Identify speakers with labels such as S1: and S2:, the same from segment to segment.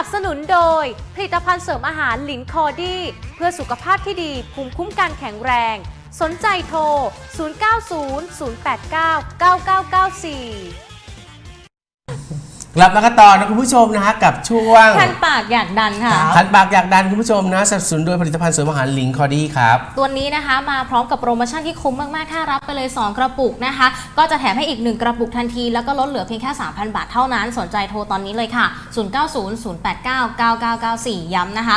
S1: บสนุนโดยผลิตภัณฑ์เสริมอาหารหลินคอดี้เพื่อสุขภาพที่ดีภูมิคุ้มกันแข็งแรงสนใจโทร 0900899994
S2: กลับมากันต่อนะคุณผู้ชมนะฮะกับช่วง
S1: คันปากอยากดันค่ะ
S2: คันปากอยากดันคุณผู้ชมนะสนับสนุนโดยผลิตภัณฑ์เสริมอาหารลิงคอดี้ครับ
S1: ตัวนี้นะคะมาพร้อมกับโปรโมชั่นที่คุ้มมากๆถ้ารับไปเลย2กระปุกนะคะก็จะแถมให้อีก1กระปุกทันทีแล้วก็ลดเหลือเพียงแค่ 3,000 บาทเท่านั้นสนใจโทรตอนนี้เลยค่ะ 0900899994 ย้ำนะคะ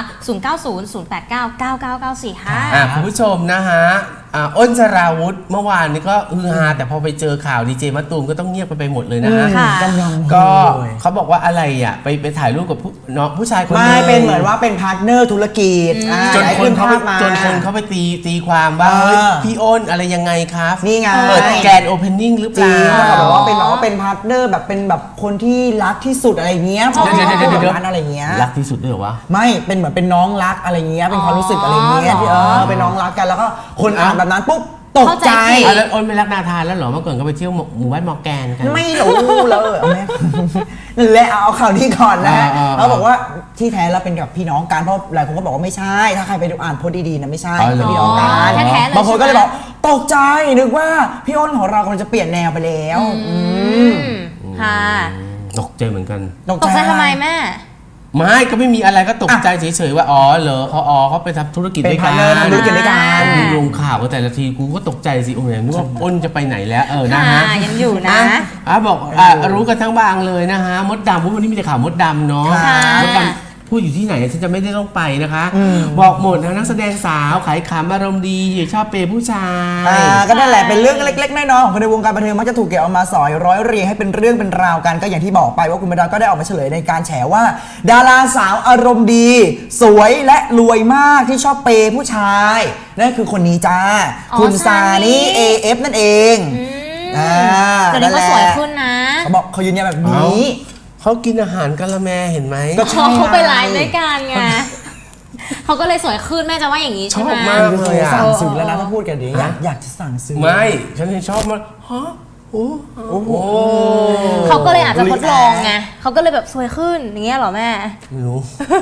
S1: 0900899994 ค่ะ
S2: คุณผู้ชมนะฮะอ้นสราวุธเมื่อวานนี้ก็ฮือฮาแต่พอไปเจอข่าวดีเจมะตูมก็ต้องเงียบไปหมดเลยนะฮะก็เขาบอกว่าอะไรอ่ะไปถ่ายรูปกับน้องผู้ชายคนนึง
S3: ไม่เป็นเหมือนว่าเป็นพาร์ทเนอร์ธุรกิจ
S2: จนคนเขาไปตีความว่าเฮ้ยพี่อ้นอะไรยังไงครับ
S3: นี่ไง
S2: เปิดแกนโอเพนนิ่งหรือเปล่า
S3: แบบว่าเป็นพาร์ทเนอร์แบบเป็นแบบคนที่รักที่สุดอะไรเงี้ยพอเดี๋ยวอะไรเงี้ย
S2: รักที่สุดด้วยเหรอวะ
S3: ไม่เป็นเหมือนเป็นน้องรักอะไรเงี้ยเป็นความรู้สึกอะไรเงี้ยที่เป็นน้องรักกันแล้วก็คนอ่านแบบนั้นปุ๊บตกใจ
S2: แล้วอ้นไม่รักนาธานแล้วเหรอเมื่อก่อนก็ไปเที่ยวหมู่บ้านมอแกนกัน
S3: ไม่รู้เลยแม่นั่นแหละเอาข่าวนี้ก่อนนะเขาบอกว่าที่แท้เราเป็นกับพี่น้องกันเพราะหลายคนก็บอกว่าไม่ใช่ถ้าใครไปดูอ่านโพสต์ดีๆนะไม่ใช่เป็นพี่น้องกันบางคนก็เลยบอกตกใจนึกว่าพี่อ้นของเรากำลังจะเปลี่ยนแนวไปแล้ว
S1: ค่ะ
S2: ตกใจเหมือนกัน
S1: ตกใจทำไมแม่
S2: ไม่ก็ไม่มีอะไรก็ตกใจเฉยๆว่าอ๋อเหรอเขาไปทำธุรกิจด้วยกัน
S3: ทำธุรกิจด้วยกัน
S2: ลงข่าวแต่ละทีกูก็ตกใจสิโอ้ยนึกว่าอ้นจะไปไหนแล้วนะฮะ
S1: ยังอยู่นะ
S2: บอกรู้กันทั้งบางเลยนะฮะมดดำวันนี้มีแต่ข่าวมดดำเนาะมดดำพูดอยู่ที่ไหนฉันจะไม่ได้ต้องไปนะคะบอกหมดนะนักแสดงสาวขายขำอารมณ์ดีชอบเปย์ผู้ชาย
S3: ก็นั่นแหละเป็นเรื่องเล็กๆน้อยๆของคนในวงการบันเทิงมักจะถูกเก็บเอามาสอยร้อยเรียงให้เป็นเรื่องเป็นราวกันก็อย่างที่บอกไปว่าคุณมดดำก็ได้ออกมาเฉลยในการแฉว่าดาราสาวอารมณ์ดีสวยและรวยมากที่ชอบเปย์ผู้ชายนั่นคือคนนี้จ้าคุณซานี่ AF นั่นเอง
S1: แต่นี่ก็สวยขึ้นนะ
S3: เขาบอกเขายืนยันแบบนี้
S2: เขากินอาหารกะละแมเห็นไหม
S1: ก็เขาไปไลฟ์ด้วยกันไงเขาก็เลยสวยขึ้นแม่จะว่าอย่างนี้ใช่ไหม
S2: ชอบมากเลย
S3: สั่งซื้อแล้วนะถ้าพูดกันดีอยากจะสั่งซื้อ
S2: ไม่ฉันชอบมากฮะโอ้โห
S1: เขาก็เลยอาจจะทดลองไงเขาก็เลยแบบสวยขึ้นอย่างเงี้ยหรอแม่
S2: ไม่รู้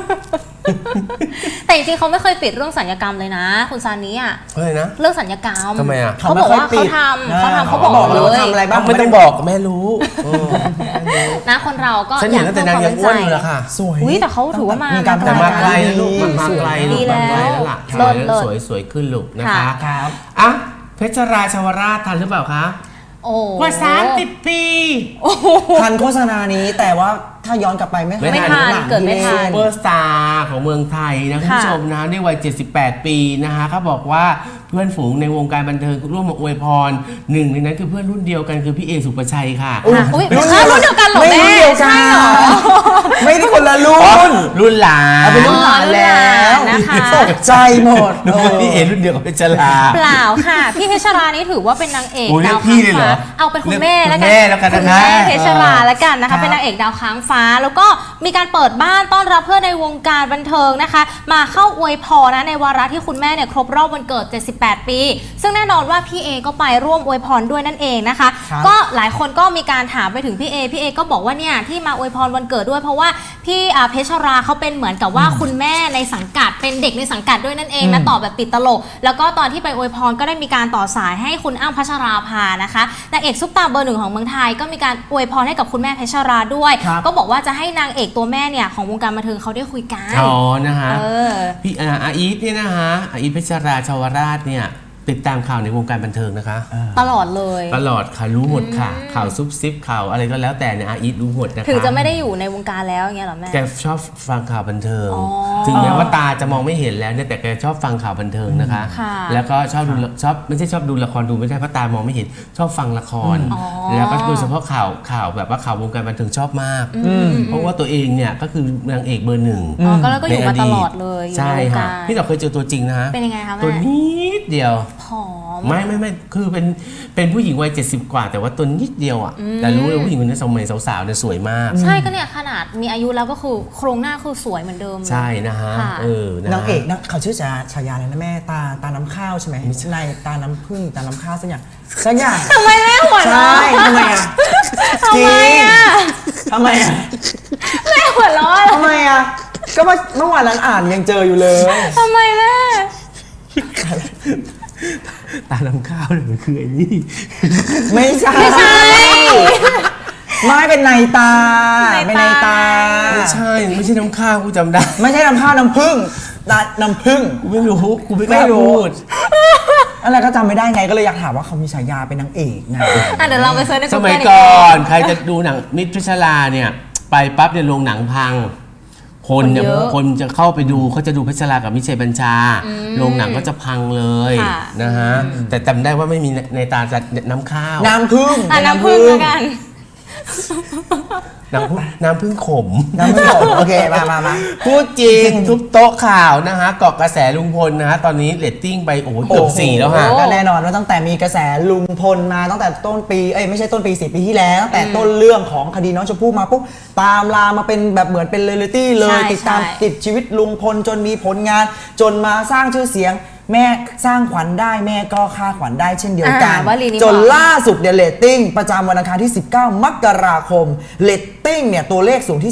S1: แต่จริงๆเขาไม่เคยปิดเรื่องสัญญกรรมเลยนะคุณซานิอ่ะเรื่องสัญญกรรม
S2: ทำไมอ่ะ
S1: เขาบอกว่าเขาทำเขาบอกเลย
S3: ทำอะไรบ้าง
S2: ไม่ต้องบอกแม่รู้
S1: นะคนเราก็
S2: ฉันเห็นตั้งแต่นางยังอ้วนอยู่แล้วค่ะ
S3: สวย
S1: แต่เขาถือว่ามา
S2: แต่มาไกลลูกมาไกลแล้วล่ะสวยขึ้นลูกนะคะอ่ะเพชรราชวราชทันหรือเปล่าคะกว่า30 ปี
S3: ทันโฆษณานี้แต่ว่าถ้าย้อนกลับไปไม่
S1: ทันเกิดไม่ทัน
S2: ซูเปอร์สตาร์ของเมืองไทยนะคุณผู้ชมนะในวัย78 ปีนะคะเขาบอกว่าเพื่อนฝูงในวงการบันเทิงร่วมมาอวยพรหนึ่งในนั้นคือเพื่อนรุ่นเดียวกันคือพี่เอสุปชัยค่ะ
S1: รุ่นเดียวกันหรอแม่ใช่หรอ
S3: ไม่ได้คนละรุ่
S2: นหลาน
S3: เป็นรุ่นหลานแล้วตกใจหมด
S2: พี่เอรุ่นเดียวกับเพชรรา
S1: เปล่าค่ะพี่เพชรรานี่ถือว่าเป็นนางเอกดาว
S2: ค้างฟ้า
S1: เอาเป็นคุณแม่แล้ว
S2: กัน
S1: คุณแม่เพชรราแล้วกันนะคะเป็นนางเอกดาวค้างฟ้าแล้วก็มีการเปิดบ้านต้อนรับเพื่อนในวงการบันเทิงนะคะมาเข้าอวยพรนะในวาระที่คุณแม่เนี่ยครบรอบวันเกิด78 ปีซึ่งแน่นอนว่าพี่เอก็ไปร่วมอวยพรด้วยนั่นเองนะคะก็หลายคนก็มีการถามไปถึงพี่เอก็บอกว่าเนี่ยที่มาอวยพรวันเกิดด้วยเพราะว่าพี่เพชรราเขาเป็นเหมือนกับว่าคุณแม่ในสังกัดเป็นเด็กในสังกัดด้วยนั่นเองนะตอบแบบติดตลกแล้วก็ตอนที่ไปอวยพรก็ได้มีการต่อสายให้คุณอ้ำพัชราภานะคะนางเอกซุปตาเบอร์ 1ของเมืองไทยก็มีการอวยพรให้กับคุณแม่เพชรราด้วยก็บอกว่าจะให้นางเอกตัวแม่เนี่ยของวงการบันเทิงเขาได้คุยกัน
S2: นะคะพี่อาอีฟเนี่ยนะคะอาอีฟเพชรราชวราชเนี่ยติดตามข่าวในวงการบันเทิงนะคะ
S1: ตลอดเลย
S2: ตลอดค่ะรู้หมดค่ะข่าวซุบซิบข่าวอะไรก็แล้วแต่เนี่ยอาอีฟรู้หมดนะคะ
S1: ถึงจะไม่ได้อยู่ในวงการแล้วอย่างเงี้ยหรอแม่
S2: แกชอบฟังข่าวบันเทิงถึงแม้ว่าตาจะมองไม่เห็นแล้วเนี่ยแต่แกชอบฟังข่าวบันเทิงนะคะแล้วก็ชอบไม่ใช่ชอบดูละครดูไม่ใช่เพราะตามองไม่เห็นชอบฟังละครแล้วก็โดยเฉพาะข่าวแบบว่าข่าววงการบันเทิงชอบมากเพราะว่าตัวเองเนี่ยก็คือนางเอกเบอร์ 1
S1: ก็แล้วก็อยู่มาตลอดเลย
S2: ใช่ค่ะพี่ต่อเคยเจอตัวจริงนะ
S1: เป็นยังไงคะแม่
S2: ตัวนิดเดียว
S1: ผอม
S2: ไม่คือเป็นผู้หญิงวัย70 กว่าแต่ว่าตัวนิดเดียวอ่ะแต่รู้เลยผู้หญิงคนนี้สมัยสาวๆเนี่ยสวยมาก
S1: ใช่ก็เนี่ยขนาดมีอายุแล้วก็คือโครงหน้าคือสวยเหมือนเดิม
S2: ใช่นะฮะ
S3: นางเอกนะเขาชื่อฉายาอะไรนะแม่ตาน้ำข้าวใช่ไหมไม่ใช่ในตาน้ำผึ้งตาน้ำข้าวสักอย่าง
S1: ทำไมแม่หัวเราะ
S3: ทำไมอ่ะ
S1: ทำไมอ่ะ
S3: ทำไมอ่ะ
S1: แม่หัวเราะ
S3: ทำไมอ่ะก็เมื่อวานนั้นอ่านยังเจออยู่เลย
S1: ทำไมแม่
S2: ตาลำข้าวเนี่ยมันคือไอ้นี่
S3: ไม่ใช่ ไม่เป็นในตา เป็นในตา
S2: ไม่ใช่น้ำข้าวกูจำได้
S3: ไม่ใช่น้ำข้าวน้ำผึ้งน้ำผึ้ง
S2: กูไม่รู้กูไม่กล้าพูด
S3: อะไรก็จำไม่ได้ไงก็เลยอยากถามว่าเขามีฉายาเป็นนางเอกไง
S1: เดี๋ยวเราไปเซิร์ชใน
S2: ส
S1: Google
S2: มัย
S1: อี
S2: ก่อน
S1: ที
S2: ใครจะดูหนังมิตรพิชลาเนี่ยไปปั๊บเนี่ยโรงหนังพัง คนเนี่ย
S1: คนเยอะ
S2: คนจะเข้าไปดูเขาจะดูพิชลากับมิเชลบัญชาโรงหนังก็จะพังเลย
S1: ค่ะ
S2: นะฮะแต่จำได้ว่าไม่มีในตาจะน้ำข้าว
S3: น้ำผึ้ง
S1: น้ำผึ้งแล้วกัน
S2: น้ำพึ่งขม
S3: น้ำผึ้งโอเคมา
S2: พูดจริงทุบโต๊ะข่าวนะฮะเกาะกระแสลุงพลนะฮะตอนนี้เรตติ้งไปโอ้โหเกือบ4แล้วฮะ
S3: ก็แน่นอนว่าตั้งแต่มีกระแสลุงพลมาตั้งแต่ต้นปีไม่ใช่ต้นปี4 ปีที่แล้วตั้งแต่ต้นเรื่องของคดีน้องชมพู่มาปุ๊บตามลามมาเป็นแบบเหมือนเป็นเรียลลิตี้เลย
S1: ใช่
S3: ติดตาม
S1: ใช่
S3: ติดชีวิตลุงพลจนมีผลงาน จนมาสร้างชื่อเสียง แม่สร้างขวัญได้แม่ก็ฆ่าขวัญได้เช่นเดียวกัน
S1: วลีนี้
S3: จน
S1: บอก
S3: ล่าสุดเนี่ยเรตติ้งประจำวันอังคารที่ 19 มกราคมเรตติ้งเนี่ยตัวเลขสูงที่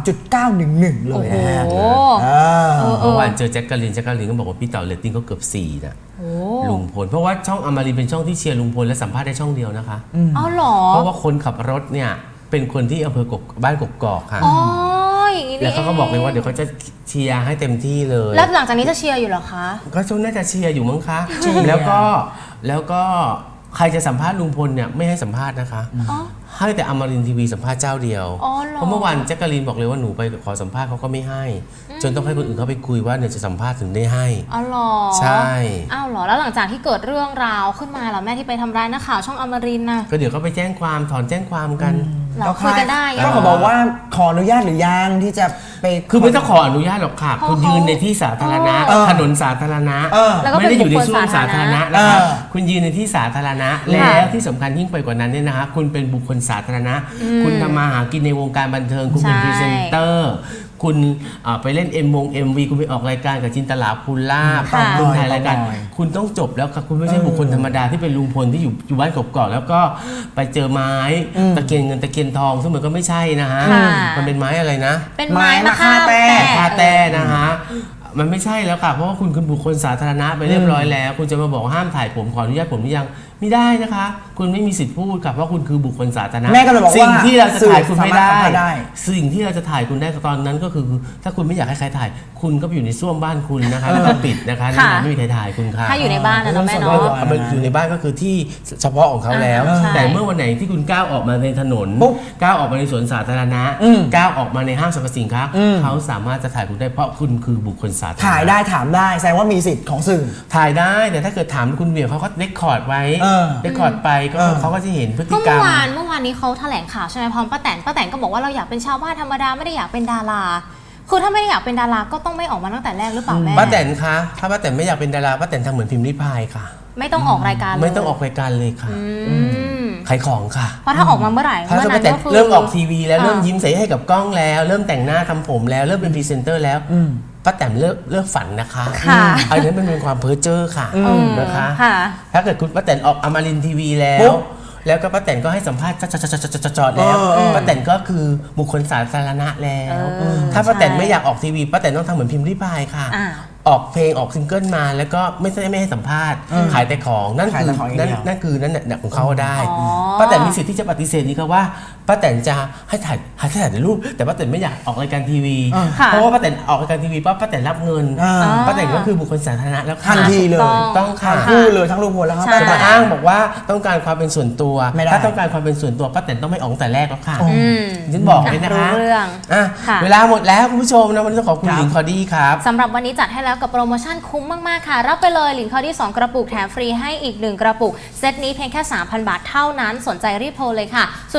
S3: 3.911 เลยนะฮะ
S1: โอ้โห
S2: เมื่อวานเจอแจ็คกะลินก็บอกว่าพี่เต๋อเรตติ้งก็เกือบ4นะ
S1: โอ้
S2: ลุงพลเพราะว่าช่องอมรินทร์เป็นช่องที่เชียร์ลุงพลและสัมภาษณ์ได้ช่องเดียวนะคะ
S1: เอาเหรอ
S2: เพราะว่าคนขับรถเนี่ยเป็นคนที่อำเภอกกบ้านกกอกค่ะ
S1: อ๋ออย่างนี้
S2: แล้ว
S1: นี่
S2: เขาก็บอกเลยว่าเดี๋ยวเขาจะเชียร์ให้เต็มที่เลย
S1: แล้วหลังจากนี้จะเชียร์อยู่เหรอคะ
S2: ก็ช่วงน่าจะเชียร์อยู่มั้งคะแล้วก็ใครจะสัมภาษณ์ลุงพลเนี่ยไม่ให้สัมภาษณ์นะคะ
S1: อ๋อ
S2: ให้แต่อมรินทร์ทีวีสัมภาษณ์เจ้าเดียว
S1: อ๋อเหรอ
S2: เพราะเมื่อวานแจ็คกะลีนบอกเลยว่าหนูไปขอสัมภาษณ์เขาก็ไม่ให้ จนต้องให้คนอื่นเขาไปคุยว่าเนี่ยจะสัมภาษณ์ถึงได้ให้
S1: อ๋อเหรอ
S2: ใช่
S1: อ้าวเหรอ แล้วหลังจากที่เกิดเรื่องราวขึ้นมาเหรอแม่ที่ไปทำร้ายนักข่าวช่องอมรินทร์น่ะ
S2: ก็เดี๋ยวก็ไปแจ้งความถอนแจ้งความกัน
S1: เราคุยกันได้
S3: ก็เขาบอกว่าขออนุญาตหรือยังที่จะไป
S2: คือไม่ต้องขออนุญาตหรอกค่ะ
S1: เพราะ
S2: คุณยืนในที่สาธารณะ
S3: เออ
S2: ถนนสาธารณะ
S1: แล้วก็
S2: ไม่ได้อยู่ใน
S1: เป็นบุคคล
S2: ช่วงสาธารณะ
S1: สาธารณะ
S2: นะคะ
S3: เออ
S2: คุณยืนในที่สาธารณะ แล้วที่สำคัญยิ่งไปกว่านั้นเนี่ยนะคะคุณเป็นบุคคลสาธารณะ คุณทำมาหากินในวงการบันเทิง คุณเป็น
S1: ใช่
S2: พรีเซนเตอร์ คุณไปเล่นMV คุณไปออกรายการกับจินตลาภูลาภ
S1: ค่ะ
S2: คุณถ่ายรายการ
S3: บ่อย
S2: คุณต้องจบแล้วค่ะคุณไม่ใช่บุคคลธรรมดาที่เป็นลุงพลที่อยู่บ้านกกอกแล้วก็ไปเจอไม้ตะเกียนเงินตะเกียนทองซึ่งมันก็ไม่ใช่นะฮะ
S1: ค่ะ
S2: มันเป็นไม้อะไรนะ
S1: เป็นไม้มะค่า
S3: ไม้มะค่าแต้
S1: แต้
S2: คาแต่นะฮะมันไม่ใช่แล้วค่ะเพราะว่าคุณคือบุคคลสาธารณะไปเรียบร้อยแล้ว คุณจะมาบอกห้ามถ่ายผมขออนุญาตผมหรือยังไม่ได้นะคะ คุณไม่มีสิทธิ์พูดค่ะเพราะคุณคือบุคคลสาธารณะ
S3: แม่ก็เลยบอกว่า
S2: สิ่งที่เราจะถ่ายคุณไม่ได้
S3: สื่อสามารถทำได้
S2: สิ่งที่เราจะถ่ายคุณได้ตอนนั้นก็คือ ถ้าคุณไม่อยากให้ใครถ่าย คุณก็ไปอยู่ในส้วมบ้านคุณนะคะแล้วก็ปิดนะคะนั่นนะไม่มีใครถ่ายคุณค่ะ
S1: ถ้าอยู่ในบ้านนะเนาะแม่เนาะ
S2: เอาไปอยู่ในบ้านก็คือที่เฉพาะของเขาแล้ว
S1: ใช่
S2: แต่เมื่อวันไหนที่คุณก้าวออกมาในถนน
S3: ปุ๊บ
S2: ก้าวออกมาในสวนสาธารณะ ก้าวออกมาในห้างสรรพสินค้า เขาสามารถจะถ่ายคุณได้เพราะคุณคือบุคคลสาธารณะ
S3: ถ่ายได้ถามได้แสดงว่ามีสิทธิ์ของสื่อ
S2: ถ่ายได้แต่ถ้าเกิดถามคุณเวียเขาก็เรคคอร์ดไว้ เรคคอร์ดไปก็เขาก็จะเห็นพฤติ
S1: ก็
S2: กรร
S1: เมื่อวานนี้เขาแถลงข่าวใช่ไหมพร้อมป้าแตนก็บอกว่าเราอยากเป็นชาวบ้านธรรมดาไม่ได้อยากเป็นดารา คือถ้าไม่ได้อยากเป็นดาราก็ต้องไม่ออกมาตั้งแต่แรกหรือเปล่าแม่
S2: ป้าแตนคะถ้าป้าแตนไม่อยากเป็นดาราป้าแตนทำเหมือนพิมพ์ริพายค่ะ
S1: ไม่ต้องออกรายการเลย
S2: ไม่ต้องออกรายการเลยค่ะ
S1: ม
S2: ขายของค่ะ
S1: เพราะถ้าออกมาเมื่อไหร่
S2: ถ้า
S1: เมื่อ
S2: ป้า
S1: นั้น
S2: แตน
S1: ก็คือ
S2: เริ่มออกทีวีแล้ว
S1: อ่า
S2: เริ่มยิ้มใสให้กับกล้องแล้ว เริ่มแต่งหน้าทำผมแล้วเริ่มเป็นพรีเซนเตอร์แล้วป้าแตนเลิกฝันนะคะ
S1: ค่ะ
S2: อันนี้มันเป็นความเพ้อเจ้อค่ะนะคะ
S1: ค่ะ
S2: ถ้าเกิดคุณป้าแตนออกอมรินทร์ทีวีแล้
S3: ปุ๊
S2: ว
S3: บ
S2: แล้วก็ป้าแตนก็ให้สัมภาษณ์จอดแล้วป้าแตนก็คือบุคคลสาธารณะแล้ว ถ้าป้าแตนไม่อยากออกทีวีป้าแตนต้องทำเหมือนพิมพ์ริพายค่ะ
S1: อ่า
S2: ออกเพลงออกซิงเกิลมาแล้วก็ไม่ให้สัมภาษณ์ขายแต่ของนั่น
S3: ขาย
S2: คือ
S3: แต่ของอย่างเดียว
S2: นั่นคือนั่นแหละของเขาได้
S1: อ๋อ
S2: ป้าแตนมีสิทธิ์ที่จะปฏิเสธนี้ก็ว่าป้าแตนจะให้ถ่ายแต่รูปแต่ป้าแตนไม่อยากออกรายการทีวี
S1: ค่ะ
S2: เพราะว่าป้าแตนออกรายการทีวีป้าแตนรับเงิน ป้าแตนก็คือบุคคลสาธารณะแล้วค่ะ
S3: ทันทีเลย
S2: ต้องค่ะ
S3: ทั้งคู่เลยทั้งลุงพลแล้วก็
S1: ใช่
S2: จะมาอ้างบอกว่าต้องการความเป็นส่วนตัว
S3: ไม่ได้
S2: ถ้าต้องการความเป็นส่วนตัวป้าแตนต้องไม่ออกตั้งแต่แรกแล้วค่ะ
S1: อืม
S2: ฉันบอกเลยนะคะ
S1: รู้เรื่อง
S2: อ่ะ
S1: ค่ะ
S2: เวลาหมดแล้วคุณผู้ชมนะวันนี้ต้องขอบคุณหญิงคอดี้ครับ
S1: สำหรับวันนี้จัดให้แล้วกับโปรโมชั่นคุ้มมาก ๆ ค่ะ รับไปเลยหลินคอดี้2กระปุกแถมฟรีให้อีก 1 กระปุก เซตนี้เพียงแค่ 3,000 บาทเท่านั้นสนใจรีบโทรเลยค่ะ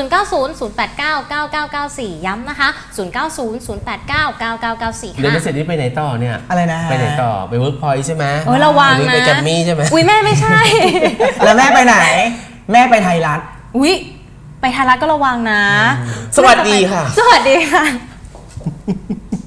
S1: 0900899994 ย้ำนะคะ 0900899994
S2: เดี๋ยว
S1: ค่ะ
S2: เสร็จนี้ไปไหนต่อเนี่ย
S3: อะไรนะ
S2: ไปไหนต่อไปเวิร์กพอยต์ใช่ไหม
S1: โอ้ยระวัง
S2: หรือ
S1: นะ
S2: ไปแกรมมี่ใช่ไหม
S1: อุ้ยแม่ไม่ใช่
S3: แล้วแม่ไปไหน แม่ไปไทยรัฐ
S1: อุ้ยไปไทยรัฐก็ระวังนะ
S2: สวัสดีค่ะ
S1: สวัสดีค่ะ